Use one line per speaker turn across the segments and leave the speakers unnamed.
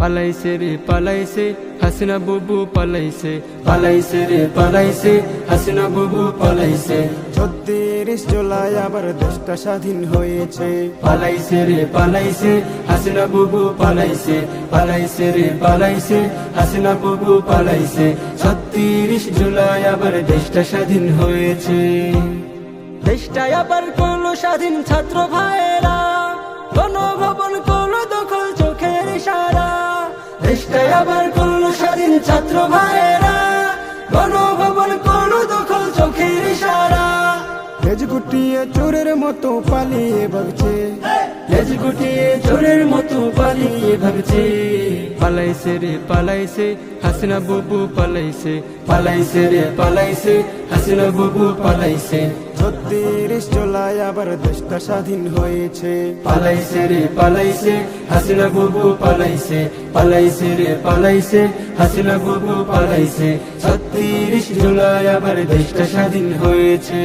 পালাইছে রে পালাইছে হাসিনা বুবু পালাইছে, পালাইছে রে পালাইছে হাসিনা বুবু পালাইছে।
৩৬ জুলাই আবার দেশটা স্বাধীন হয়েছে।
পালাইছে রে পালাইছে হাসিনা বুবু পালাইছে, পালাইছে রে পালাইছে হাসিনা বুবু পালাইছে। ৩৬ জুলাই আবার দেশটা স্বাধীন হয়েছে। দেশটা আবার করলো স্বাধীন ছাত্র ভাইয়েরা, গণভবন করলো দখল চোখের ইশারা। দেশটা আবার করলো স্বাধীন ছাত্র ভাইয়েরা, গণভবন করলো দখল চোখের ইশারা।
লেজ গুটিয়ে চোরের মতো পালিয়ে ভাগছে,
লেজ গুটিয়ে চোরের মতো পালিয়ে ভাগছে। পালাইছে রে পালাইছে হাসিনা বুবু পালাইছে, পালাইছে রে পালাইছে হাসিনা বুবু পালাইছে।
৩৬ জুলাই আবার দেশটা স্বাধীন হয়েছে।
পালাইছে রে পালাইছে হাসিনা বুবু পালাইছে, পালাইছে রে পালাইছে হাসিনা বুবু পালাইছে। ৩৬ জুলাই আবার দেশটা স্বাধীন হয়েছে।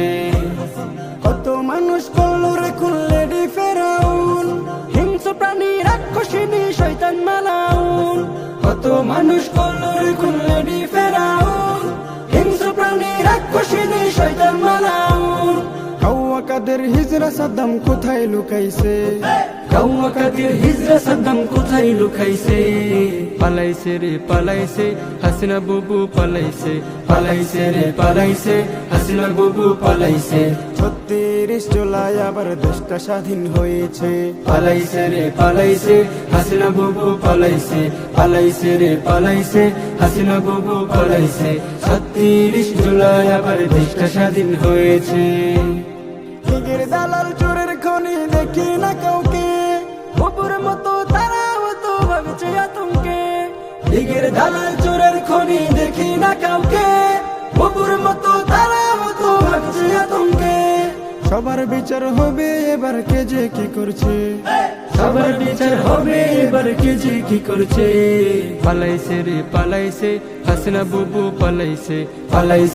কত মানুষ করলো রে খুললেডি ফেরাউন,
হিংস্র প্রাণী রাক্ষসিনী শয়তান মালাউন। কত মানুষ করলো রে খুললেডি ফেরাউন, হিংস্র প্রাণী রাক্ষসিনী শয়তান মালাউন।
কাউয়া কাদের হিজরা সাদ্দাম কোথায় লুকাইছে,
কাউয়া কাদের হিজরা সাদ্দাম কোথায় লুকাইছে। পালাইছে রে পালাইছে হাসিনা বুবু পালাইছে, পালাইছে রে পালাইছে হাসিনা বুবু পালাইছে।
৩৬ জুলাই আবার দেশটা স্বাধীন হয়েছে।
পালাইছে রে পালাইছে হাসিনা বুবু পালাইছে, পালাইছে রে পালাইছে হাসিনা বুবু পালাইছে। ৩৬ জুলাই আবার দেশটা স্বাধীন হয়েছে।
লীগের দালাল চোরের খনি দেখি না কাউকে,
বুবুর মতো তারা মতো ভাবছে আতঙ্কে। লীগের দালাল চোরের খনি দেখি না কাউকে, বুবুর মতো তারা মতো ভাবছে আতঙ্কে।
সবার বিচার হবে এবার কে যে কি করছে,
সবার বিচার হবে এবার কে যে কি করছে। পালাইছে রে পালাইছে হাসিনা বুবু পালাইছে, পালাইছে